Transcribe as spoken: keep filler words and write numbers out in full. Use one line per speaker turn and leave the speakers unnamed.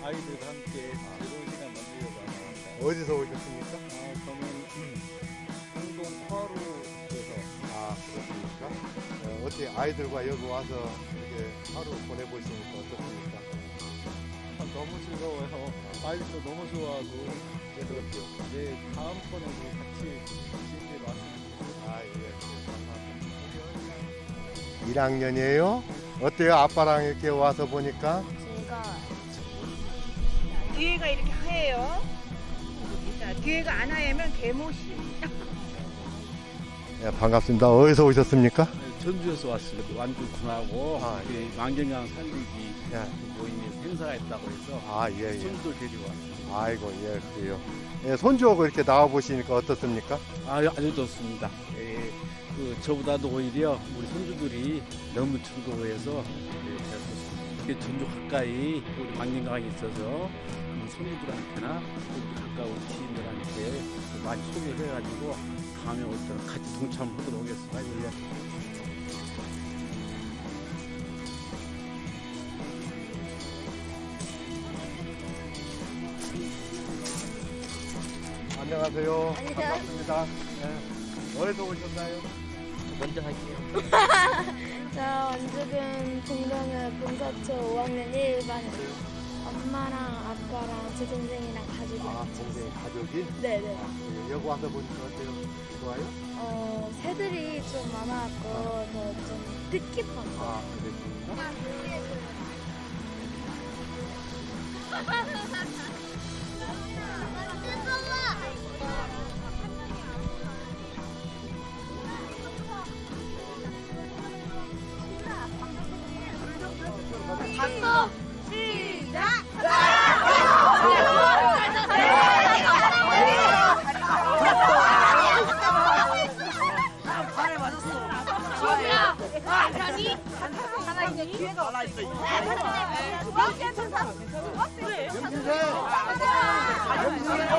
아이들과 함께 즐거운 시간 만들려고 합니다.
어디서 오셨습니까?
아, 저는 음, 홍동 화로에서.
아, 그렇습니까? 어, 어떻게 아이들과 여기 와서 이렇게 하루 보내보시니까 어떻습니까?
아, 너무 즐거워요. 아이들도 너무 좋아하고. 그래서 네, 다음번에도 같이 즐기러 왔습니다.
아, 예, 감사합니다. 일 학년이에요? 어때요? 아빠랑 이렇게 와서 보니까?
제가 뒤에가 이렇게 하얘요. 자, 뒤에가 안 하얘면 개못이.
예, 반갑습니다. 어디서 오셨습니까?
전주에서 왔습니다. 완주군하고
아,
그 망경강 살리기
예.
모임에 행사가 있다고 해서
아, 예, 예.
손도 데리고 왔습니다.
아이고, 예, 그래요. 예, 손주하고 이렇게 나와보시니까 어떻습니까?
아, 아주 좋습니다. 예, 그 저보다도 오히려 우리 손주들이 너무 즐거워해서 예, 잘 좋습니다. 이렇게 전주 가까이 우리 망경강이 있어서 우리 손주들한테나 우리 가까운 지인들한테 많이 소개를 해가지고 다음에 올 때는 같이 동참하도록 하겠습니다. 예.
안녕하세요.
안녕하세요.
반갑습니다. 예. 어디서 오셨나요?
먼저 할게요.
저 원주군 동명은 봉사초 오 학년 일 반이에요. 엄마랑 아빠랑 제 동생이랑 가족이
아,
같이
동생
있어요.
가족이?
네네.
예, 여기 와서 보니까 어때요? 좋아요?
어, 새들이 좀 많아갖고 더 좀 뜻깊한 거.
아, 그렇습니까?
박수! 시작! 발에 맞았어. 야, 괜찮니? 하나 이제 기회가 올라 있어. 두 번째 천사. 두 번째.